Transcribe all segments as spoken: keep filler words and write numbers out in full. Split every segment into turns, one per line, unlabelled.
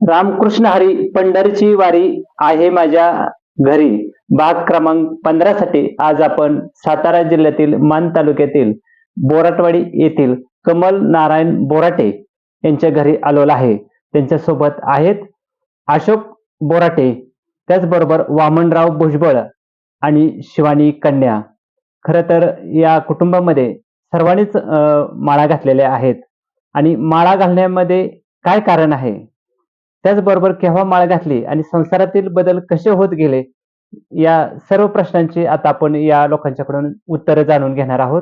रामकृष्ण हरी पंढरीची वारी आहे माझ्या घरी भाग क्रमांक पंधरा साठी आज आपण सातारा जिल्ह्यातील मान तालुक्यातील बोराटवाडी येथील कमल नारायण बोराटे यांच्या घरी आलेलो आहे. त्यांच्या सोबत आहेत अशोक बोराटे, त्याचबरोबर वामनराव भुजबळ आणि शिवानी कन्या. खरं तर या कुटुंबामध्ये सर्वांनीच माळा घातलेल्या आहेत आणि माळा घालण्यामध्ये काय कारण आहे, त्याचबरोबर केव्हा माळ घातली आणि संसारातील बदल कसे होत गेले, या सर्व प्रश्नांची आता आपण या लोकांच्याकडून उत्तरे जाणून घेणार आहोत.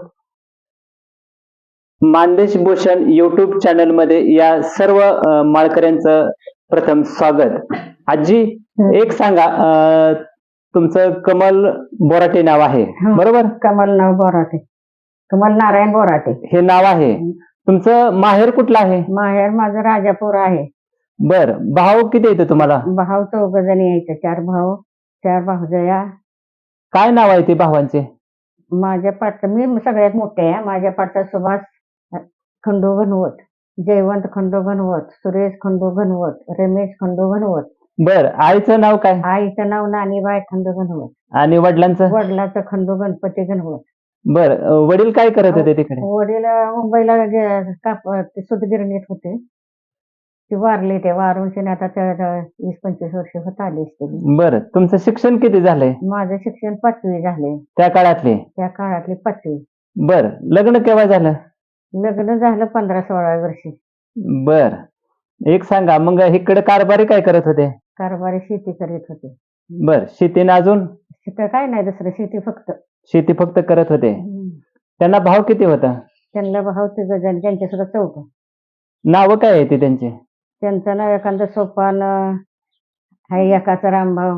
मानदेश भूषण युट्यूब चॅनल मध्ये या सर्व अ, माळकऱ्यांचं प्रथम स्वागत. आजी, एक सांगा, अ, तुमचं कमल बोराटे नाव आहे
हं.
बरोबर?
कमल नाव बोराटे, कमल नारायण बोराटे.
हे नाव आहे. तुमचं माहेर कुठलं आहे?
माहेर माझं राजापूर आहे.
बर, भाऊ किती येते तुम्हाला?
भाऊ चौघ जणी यायचे, चार भाऊ चार भाऊजया.
काय नाव आहे ते भावांचे?
माझ्या पाठ मी सगळ्यात मोठे आहे. माझ्या पाठचा सुभाष खंडू घनवत, जयवंत खंडू घनवत, सुरेश खंडू घनवत, रमेश खंडू घनवत.
बर, आईचं नाव काय
आईचं नाव नानीबाई खंडू घनवत.
आणि वडिलांचं?
वडिलाचं खंडू गणपती घनवत.
बर, वडील काय करत होते तिकडे?
वडील मुंबईला गे- काप ते सूतगिरणीत होते. ते वारले, ते वारून शेणे आता त्या- त्या वीस पंचवीस वर्ष होत आले असतील.
बर, तुमचं शिक्षण किती झालंय
माझं शिक्षण पाचवी झाले,
त्या काळातले?
त्या काळातली पाचवी.
बर, लग्न केव्हा झालं?
लग्न झालं पंधरा सोळा वर्षी.
बर, एक सांगा, मग इकडे कारभारी काय करत होते?
कारभारी शेती करीत होते.
बर, शेतीने अजून?
तिथं काय नाही दुसरं, शेती फक्त.
शेती फक्त करत होते. त्यांना भाव किती होता?
त्यांना भाऊ तिघ जण, त्यांच्या सुद्धा चौक.
नाव काय आहे ते त्यांचे?
त्यांचं नाव एखादं सोपान आहे, एकाचा रामभाऊ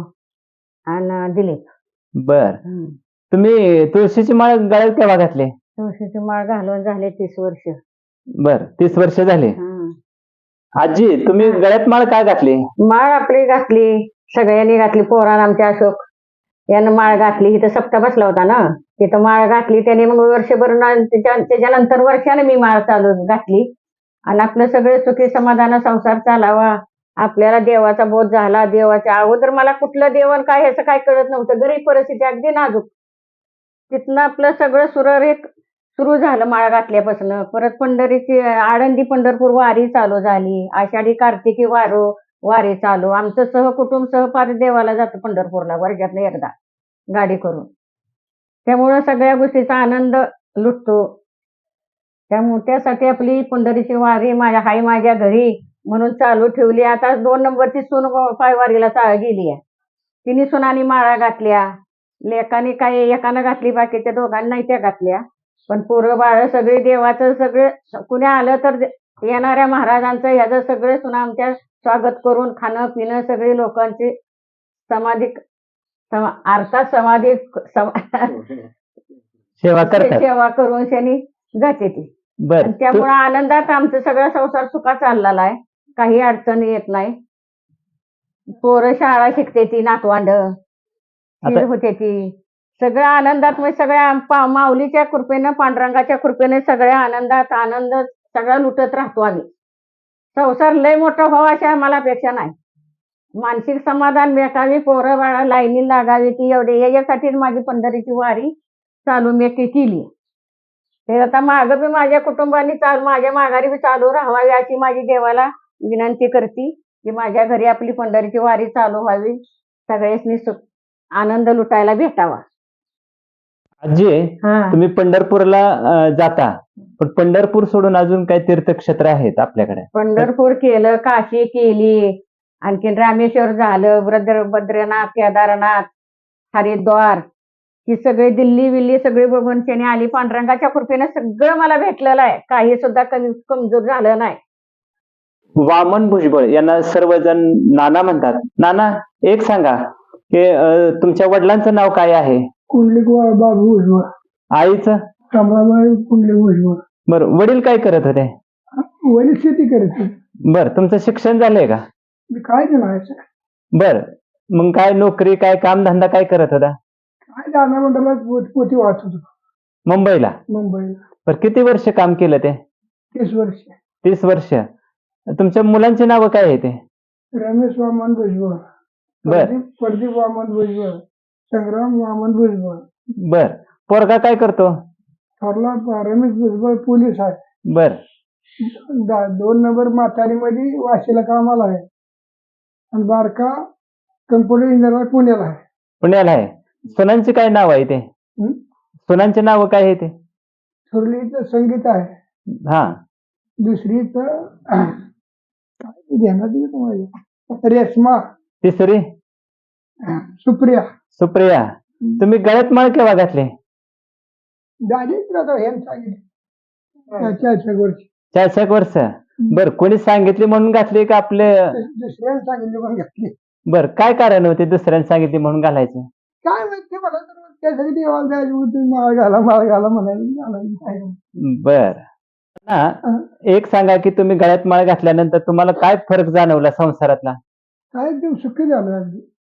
आणि दिलीप.
बर,
हम्म.
तुम्ही तुळशीची माळ गळ्यात केव्हा घातली?
तुळशीची माळ घालून झाले तीस वर्ष.
बर, तीस वर्ष झाले.
हम्म.
आजी, तुम्ही गळ्यात माळ का घातली?
माळ आपली घातली, सगळ्यांनी घातली. पोरान आमच्या अशोक यानं माळ घातली. इथं सप्ताह बसला होता ना, तिथं माळ घातली त्याने. मग वर्षभर ना- त्याच्या त्याच्यानंतर वर्षाने मी माळ चालू घातली. आणि आपलं सगळे सुखी समाधान संसार चालावा, आपल्याला देवाचा बोध झाला. देवाच्या अगोदर मला कुठलं देवन काय ह्याचं काय कळत नव्हतं. गरीब परिस्थिती, अगदी नाजूक. तिथनं आपलं सगळं सुरळीत सुरू झालं माळ घातल्यापासून. परत पंढरीची आळंदी पंढरपूर वारी चालू झाली. आषाढी कार्तिकी वारो वारी चालू. आमचं सहकुटुंब सहपारी देवाला जातं पंढरपूरला वर्षातनं एकदा गाडी करून. त्यामुळं सगळ्या गोष्टीचा आनंद लुटतो. त्यामुळे त्यासाठी आपली पंढरीची वारी माझ्या हाय माझ्या घरी म्हणून चालू ठेवली. आता दोन नंबरची सून पायवारीला चा गेली आहे. तिने सुनानी माळा घातल्या. लेकाने काय एकानं घातली, बाकीच्या दोघांनी नाही त्या घातल्या. पण पोरं बाळ सगळे देवाचं सगळे, कुणी आलं तर येणाऱ्या महाराजांचं ह्याचं सगळे सुना आमच्या स्वागत करून खाणं पिणं सगळे लोकांची समाधी समा अर्थात समाधी समा-
सेवा करतात.
सेवा करून शनी जाते ती.
बर,
त्यामुळे आनंदात आमचा सगळा संसार सुखा चाललेला आहे. काही अडचण येत नाही. पोरं शाळा शिकते ती, नातवांड
आता-
होते ती. सगळ्या आनंदात, म्हणजे सगळ्या पा- माऊलीच्या कृपेनं, पांडुरंगाच्या कृपेने सगळ्या आनंदात आनंद सगळा लुटत राहतो आम्ही. संसार लय मोठा व्हावा अशी आम्हाला अपेक्षा नाही. मानसिक समाधान भेटावी, पोरं बाळा लाईनी लागावी ती, एवढे याच्यासाठीच माझी पंढरीची वारी चालू मी ती केली. ते आता मागं बी माझ्या कुटुंबाने चालू, माझ्या माघारी बी चालू राहावी अशी माझी देवाला विनंती करते की माझ्या घरी आपली पंढरीची वारी चालू व्हावी, सगळ्यांनी सुख आनंद लुटायला भेटावा.
आजी,
हा.
तुम्ही पंढरपूरला अ, जाता, पण पंढरपूर सोडून अजून काही तीर्थक्षेत्र आहेत आपल्याकडे?
पंढरपूर केलं, काशी केली, आणखीन रामेश्वर झालं, बद्र बद्रीनाथ, केदारनाथ, हरिद्वार, ही सगळी दिल्ली विल्ली सगळी बघून शनी आली. पांडुरंगाच्या कृपेने सगळं मला भेटलेलं आहे. काही सुद्धा कमी कमजोर झालं नाही.
वामन भुजबळ यांना सर्वजण नाना म्हणतात. नाना, एक सांगा की अ, तुमच्या वडिलांचं नाव काय आहे?
कुंडलिक बाबू भुजबळ,
आईचं?
कमलाबाई कुंडलिक भुजबळ.
बर, वडील काय करत होते?
वडील शेती करायचे.
बर, तुमचं शिक्षण झालंय का?
काय ते म्हणायचं,
बर, मग काय नोकरी, काय काम धंदा काय करत होता?
काय दाना मंडळात पोत- पोती वाचत होतो
मुंबईला?
मुंबईला.
बर, किती वर्ष काम केलं ते?
तीस वर्ष.
तीस वर्ष. तुमच्या मुलांची नावं काय आहे ते?
रमेश वामन भुजबळ,
बर
प्रदीप प्रदीप वामन भुजबळ, संग्राम वामन भुजबळ.
बर पोरगा काय करतो?
थोरला प- रमेश भुजबळ पोलीस आहे.
बर
दा- दोन नंबर म्हातारीमध्ये वाशीला कामाला आहे आणि बारका कम्प्युटर इंजिनियर पुण्याला आहे.
पुण्याला आहे. सुनांची काय नाव आहे ते?
हं?
सुनांचे नाव काय आहे ते?
थोरलीचं संगीत आहे,
हा
दुसरीचं काय ध्यानात येत माझ्या रेश्मा,
तिसरी
सुप्रिया.
सुप्रिया. तुम्ही गळ्यात माळ केव्हा घातले?
डायरेक्ट आता हे सांगितलं चारशे वर्ष
चारशे एक वर्ष. बर कोणी सांगितले म्हणून घातले का आपले?
दुसऱ्याने सांगितलं पण घातली.
बर काय कारण होते दुसऱ्याने सांगितले म्हणून घालायचे?
काय माहिती मला तर त्यासाठी देवाला जायचं होतं, माळ घाला माळ घाला म्हणायला घालायला काय.
बर ना एक सांगा की तुम्ही गळ्यात माळ घातल्यानंतर तुम्हाला काय फरक जाणवला संसारातला?
काय एकदम सुखी झालं अगदी.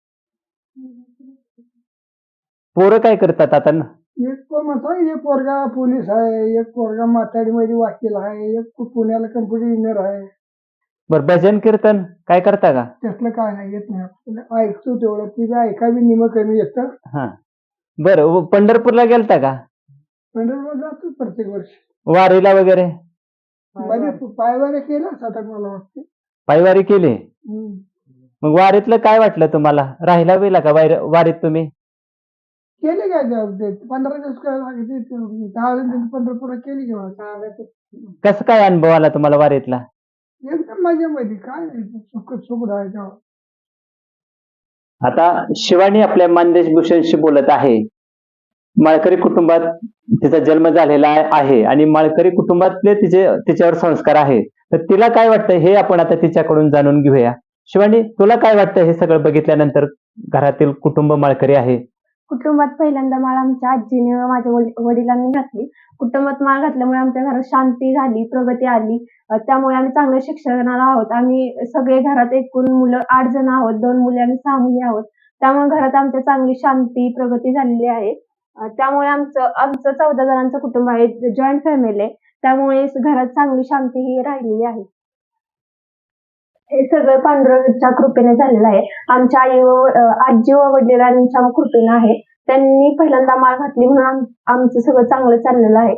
पोरं काय करतात आता?
एक पण म्हणतो एक पोरगा पोलीस आहे, एक पोरगा माथाडीमध्ये वकील आहे, एक पुण्याला कम्प्युटर इंजिनियर आहे.
बर भजन कीर्तन काय करता का?
त्यातलं काय नाही येत नाही आपल्याला, ऐकतो तेवढं. ती बी ऐकावी निम कमी येतं.
हा बर पंढरपूरला गेलता का?
पंढरपूर जातो प्रत्येक वर्षी.
वारीला वगैरे
बरे पायवाऱ्या केल्या आता मला वाटते.
पायवारी केली.
हम्म.
मग वारीतलं काय वाटलं तुम्हाला? राहिला वेला का वारी- वारीत तुम्ही?
केले काय जॉब ते पंधरा दिवस काय लागते दहा दिवस पंढरपूर केली किंवा
कसं काय अनुभव आला तुम्हाला वारीतला?
एकदम मजेमध्ये काय नाही सुख सुख राहायचं.
आता शिवानी आपल्या मानदेश भूषणशी बोलत आहे. माळकरी कुटुंबात तिचा जन्म झालेला आहे आणि माळकरी कुटुंबातले तिचे तिच्यावर संस्कार आहे. तर तिला काय वाटतं हे आपण आता तिच्याकडून जाणून घेऊया. शिवानी तुला काय वाटतं हे सगळं बघितल्यानंतर? घरातील कुटुंब माळकरी आहे.
कुटुंबात पहिल्यांदा माळ आमच्या आजीने व माझ्या वडील- वडिलांनी घातली. कुटुंबात माळ घातल्यामुळे आमच्या घरात शांती झाली, प्रगती आली. अ, त्यामुळे आम्ही चांगल्या शिक्षणाला आहोत. आम्ही सगळे घरात एकूण मुलं आठ जण आहोत, दोन मुली आणि सहा मुली आहोत. त्यामुळे घरात आमच्या चांगली शांती, प्रगती झालेली आहे. अ, त्यामुळे आमचं आमचं चौदा जणांचं कुटुंब आहे, जॉईंट फॅमिली आहे. त्यामुळे घरात चांगली शांती ही राहिलेली आहे. हे सगळं पांडुरंगाच्या कृपेने झालेलं आहे. आमच्या आई व अ, आजी व वडिलांच्या कृपेने आहे. त्यांनी पहिल्यांदा माळ घातली म्हणून आम- आमचं सगळं चांगलं चाललेलं आहे.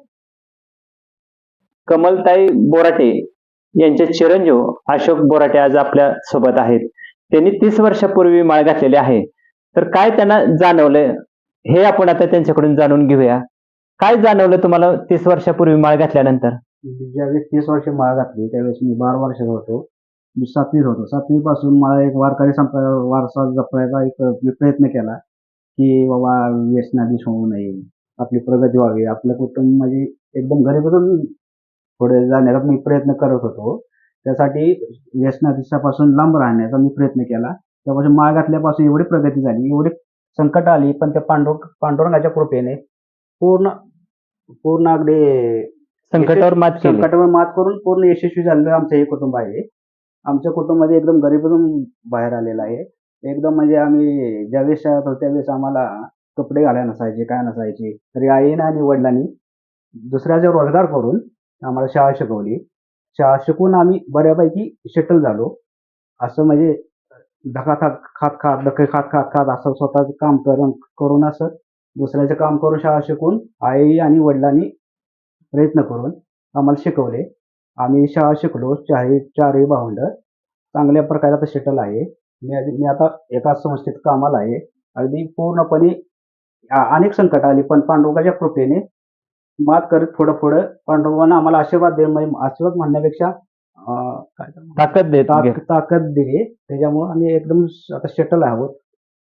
कमलताई बोराटे यांचे चिरंजीव अशोक बोराटे आज आपल्या सोबत आहेत. त्यांनी तीस वर्षापूर्वी माळ घातलेली आहे. तर काय त्यांना जाणवलं हे आपण आता त्यांच्याकडून जाणून घेऊया. काय जाणवलं तुम्हाला तीस वर्षापूर्वी माळ घातल्यानंतर?
ज्यावेळेस तीस वर्ष माळ घातली त्यावेळेस मी बारा वर्षाचा होतो. मी सातवीत होतो. सातवी पासून मला एक वारकरी संप वारसा जपण्याचा एक मी प्रयत्न केला की बाबा व्यसनाधीश होऊ नये, आपली प्रगती व्हावी, आपलं कुटुंब म्हणजे एकदम घरीपासून पुढे जाण्याचा मी प्रयत्न करत होतो. त्यासाठी व्यसनाधीशापासून लांब राहण्याचा मी प्रयत्न केला. त्यापासून माळ घातल्यापासून एवढी प्रगती झाली, एवढी संकट आली, पण त्या पांडुर पांडुरंगाच्या कृपेने पूर्ण पूर्ण अगदी
संकटावर मात केली.
संकटावर मात करून पूर्ण यशस्वी झालेलं आमचं हे कुटुंब आहे. आमच्या कुटुंबामध्ये एकदम गरिबीतून बाहेर आलेलं आहे. एकदम म्हणजे आम्ही ज्यावेळेस शाळेत होतो त्यावेळेस आम्हाला कपडे घालायला नसायचे, काय नसायचे. तरी आईनं आणि वडिलांनी दुसऱ्याचा रोजगार करून आम्हाला शाळा शिकवली. शाळा शिकून आम्ही बऱ्यापैकी सेटल झालो. असं म्हणजे धका खात खात खात धके खात खात खात असं स्वतःचं काम करून करून असं दुसऱ्याचं काम करून शाळा शिकून आई आणि वडिलांनी प्रयत्न करून आम्हाला शिकवले. आम्ही शाळा शिकलो. चारही चारही भावंड चांगल्या प्रकारे आता सेटल आहे. मी आधी- मी आता एका संस्थेत कामाला आहे. अगदी पूर्णपणे आ- अनेक संकट आली पण पांडुरंगाच्या कृपेने मात करत पुढं पुढं पांडुरंगानं आम्हाला आशीर्वाद दे म्हणजे आशीर्वाद म्हणण्यापेक्षा अं, काय तर म्हणतात,
ताकद देत
ताक- ताकद दिली. त्याच्यामुळे आम्ही एकदम आता सेटल आहोत.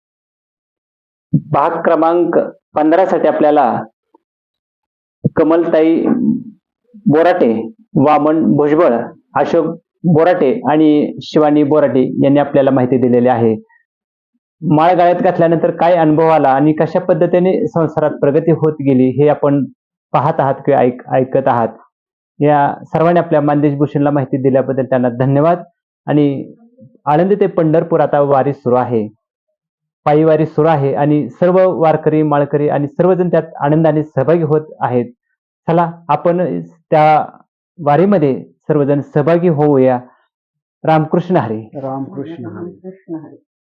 भाग क्रमांक पंधरा साठी आपल्याला कमलताई बोराटे, वामन भुजबळ, अशोक बोराटे आणि शिवानी बोराटे यांनी आपल्याला माहिती दिलेली आहे. माळ गळ्यात घातल्यानंतर काय अनुभव आला आणि कशा पद्धतीने संसारात प्रगती होत गेली हे आपण पाहत आहात किंवा ऐक ऐकत आहात. या सर्वांनी आपल्या मानदेश भूषणला माहिती दिल्याबद्दल त्यांना धन्यवाद. आणि आळंदी ते पंढरपूर आता वारी सुरू आहे, पायी वारी सुरू आहे आणि सर्व वारकरी माळकरी आणि सर्वजण त्यात आनंदाने सहभागी होत आहेत. चला आपण त्या वारीमध्ये सर्वजण सहभागी होऊया. रामकृष्ण हरी.
रामकृष्ण हरी.
कृष्ण हरी.